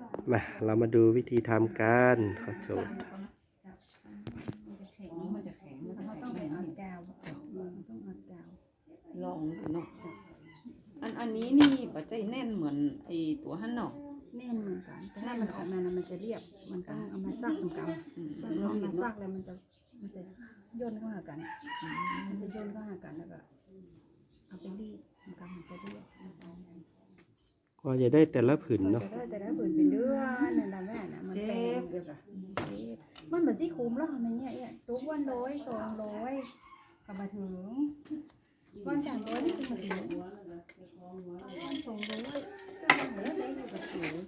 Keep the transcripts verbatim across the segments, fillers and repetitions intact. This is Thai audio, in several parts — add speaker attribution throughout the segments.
Speaker 1: มาเรามาดูวิธีทำกันขอโทษ
Speaker 2: มันจะแข็งมันจะ
Speaker 3: เขา
Speaker 2: แข็
Speaker 3: ต้อง
Speaker 2: ง
Speaker 3: ไป
Speaker 2: แน่
Speaker 3: อั
Speaker 2: น
Speaker 3: ดกาวมันต้องอัดกาว
Speaker 2: ลองดูเนาะอันอันนี้นี่ปัจจัยแน่นเหมือนไอตัวหั่นเนาะ
Speaker 3: แน่นเหมือนกันแต่ถ้ามันออกมานะมันจะเรียบมันต้องเอามาซักเหมือนกันเอามาซักแล้วมันจะมันจะย่นเข้าหากันมันจะย่นเข้าหากันแล้วก็เอาไปรีดมันก็มันจะเรียบมันจะ
Speaker 1: กว่าจะได้แต่ละผืนเนาะ
Speaker 3: แต่ได้แต่ได้ผืนเป็นเดือนนั่นแหละแม่น่ะมันเป็นเดียวกันมันเหมือนที่คุ้มแล้วทำไมเนี่ยเนี่ยทุกวันร้อยสองร้อยกลับมาถึงวันสามร้อยนี่คือมาถึงวันสองร้อยก็เหมือนได้อยู่กับสูง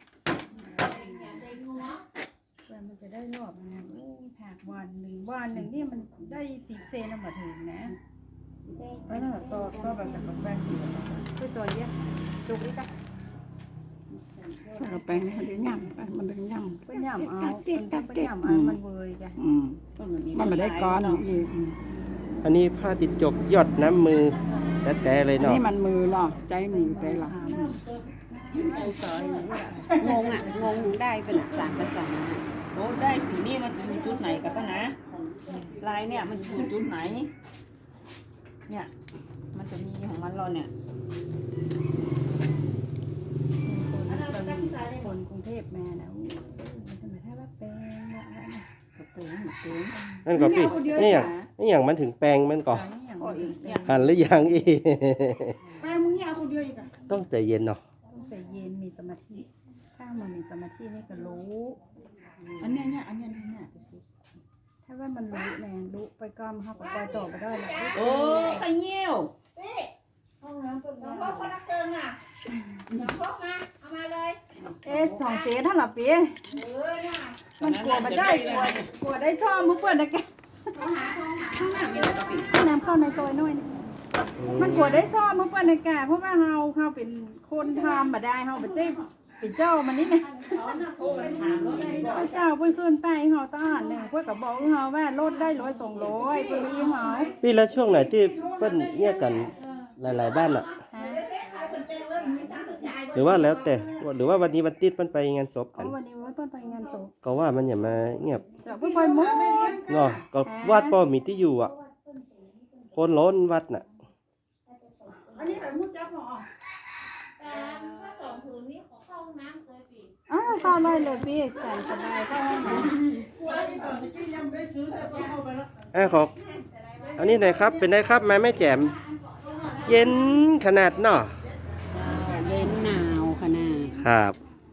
Speaker 3: แล้วมันจะได้รอบนะโอ้ผักวันหนึ่งวันหนึ่งนี่มันได้สิบเซนเอามาถึงนะเออต่อต่อแบบสักแป้งช่วยตัวเยอะจุกนี่ก็
Speaker 4: ใส่กระแปงมันจะย่ำไปมันจะย่ำ
Speaker 3: ก็ย่ำเอาเป็นก็ย่ำเอามันเวยจ้ะ
Speaker 4: อืมมันไม่ได้ก้อนอีกอืม
Speaker 1: อันนี้ผ้าติดจกหยดน้ำมือแต่แต่เลย
Speaker 4: อัน
Speaker 1: เนาะ
Speaker 4: นี้มันมือเนาะใจมือแต่ละ
Speaker 2: งงอ่ะงงได้เป็นสามภาษาโอ้ได้สีนี่มันจะอยู่จุดไหนกันปะนะลายเนี่ยมันอยู่จุดไหนเนี่ยมันจะมีของมันเราเนี่ย
Speaker 3: คนกรุงเทพมานะทำไมถ้าว่าแปลงละ
Speaker 2: กระเป๋าหมดเลย
Speaker 1: นั่นก็พี่นี่อย่างนี่อย่างมันถึงแปลงมันก่อน
Speaker 3: อย่าง
Speaker 2: ก็อีกเนี่ย
Speaker 1: หันหรือยังอีก
Speaker 3: แปลงมึงเนี่ยเอาคนเดียวอีกอ่ะ
Speaker 1: ต้องใจเย็นเนาะ
Speaker 3: ต้องใจเย็นมีสมาธิถ้ามันมีสมาธินี่ก็รู้
Speaker 5: อันเนี้ยเนี่ยอันเนี้ยเนี่ยจะสิ
Speaker 3: ถ้าว่ามันรู้แน่รู้ไปก้อมเขาก็ปล่อยต่อไปได้แหละ
Speaker 2: โอ้ไข่เงี้ยว
Speaker 5: ห้องน้ำเปิด
Speaker 6: สองพวกคนละเกินอ่ะสองพวกมาเอามาเลย
Speaker 3: เอ๊ะสองเจ๊ท่านหลับปี
Speaker 6: เออน่ะ
Speaker 3: มันกลัวมาได้กลัวกลัวได้ซ่อมเพื่อนนะแก
Speaker 6: โทรหาโทรหา
Speaker 2: ข้างหน้ามีอะไรก็ปิด
Speaker 3: น้ำเข้าในซอยน้อยนี่มันกลัวได้ซ่อมเพื่อนนะแกเพราะว่าเฮาเฮาเป็นคนทำมาได้เฮาเป็นเจ้เป็นเจ้ามันนี่นะ
Speaker 6: โทรไปถามรถได้ก่อน
Speaker 3: พระเจ้าเพื่อนขึ้นไปเฮาตาหนึ่งเพื่อนก็บอกเฮาว่าลดได้ร้อยสองร้อยเพื่อนมีเฮา
Speaker 1: พี่แล้วช่วงไหนที่เปิ้นเนี่ยกันหลายๆบ้านอะ หรือว่าแล้วแต่หรือว่าวันนี้วันติดมันไปงานศพ
Speaker 3: อ๋
Speaker 1: กั
Speaker 3: อน วันนี้ว่าเพื่อนไปงานศพ
Speaker 1: ก็ว่ามันอย่ามาเงียบ
Speaker 3: จะเพื่อนไปหมด
Speaker 1: เนาะก็วัดป้อมีที่อยู่อ่ะ คนล้นวัดน่ะ
Speaker 5: อันนี้ไข่มุดจับหรอ
Speaker 6: ถ้าสองผืนนี้ขอเข้าห้องน้ำเคยปิด
Speaker 3: อ้าวเข้าได้เลยพี่แต่สบายเข้าห้องน้ำ
Speaker 5: กลัวไอ้ก่อนที่ยังไม่ได้ซื้อแต่ก็เข้าไปแล้ว
Speaker 1: เอ้ขออันนี้หน่อยครับ เป็นได้ครับมาแม่แจ่มเย็นขนาดเนาะ
Speaker 4: เย็นหนาวขนาด
Speaker 1: ครับ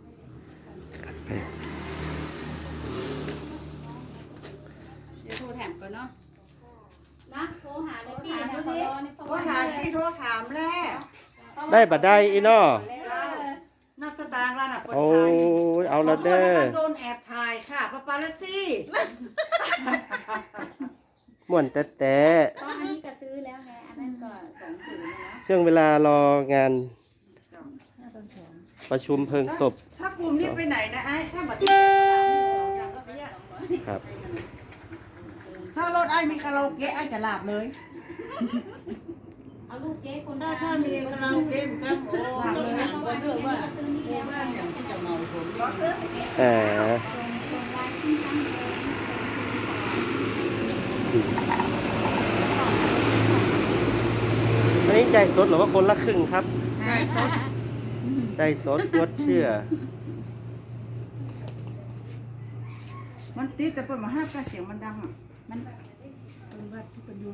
Speaker 4: เดี๋ยวโทรแถมก่อนเนาะ
Speaker 6: นะโทรหาเลยพี่นะขอรอในโทร
Speaker 5: โทรถามพี่โทรถามแล้ว
Speaker 1: ได้บัดได้อีเนาะ
Speaker 5: นักสตางค์แล้วน่ะ
Speaker 1: โอ้ยเอาละเด้อ
Speaker 5: โดนแอบถ่ายค่ะปาปาลัสซี่
Speaker 1: ม่วนแต่แต่
Speaker 6: ตอนนี้ก็ซื้อแล้วไงอันนั้นก็สองผืนนะ
Speaker 1: ช่วงเวลารองานประชุมเพลิงศพ
Speaker 5: ถ้ากลุ่มนี้ไปไหนนะไอ้ถ้าบัตรสองอย่างก็ไปเนี่ย
Speaker 1: ครับ
Speaker 5: ถ้ารถไอ้มีคาราโอเกะไอ้จะหลับเลย
Speaker 6: เอาลูกเจ๊คน
Speaker 5: ถ้าถ้ามีคาราโอเกะมันก็โอ้ต้องถามก่อนเรื่องว่า
Speaker 6: ซื้อนี่แล้ว
Speaker 5: บ้านอย่างที่จะเมาผมก็ซื้อ
Speaker 1: เอออันนี้ใจสดหรือว่าคนละครึ่งครับ
Speaker 5: ใช่สด
Speaker 1: ใจสดยดเชื่อ
Speaker 5: มันติดแต่เปิดมาห้าแปดเสียงมันดังอ่ะ
Speaker 3: มันเป็นวัดที่เป็นอยู่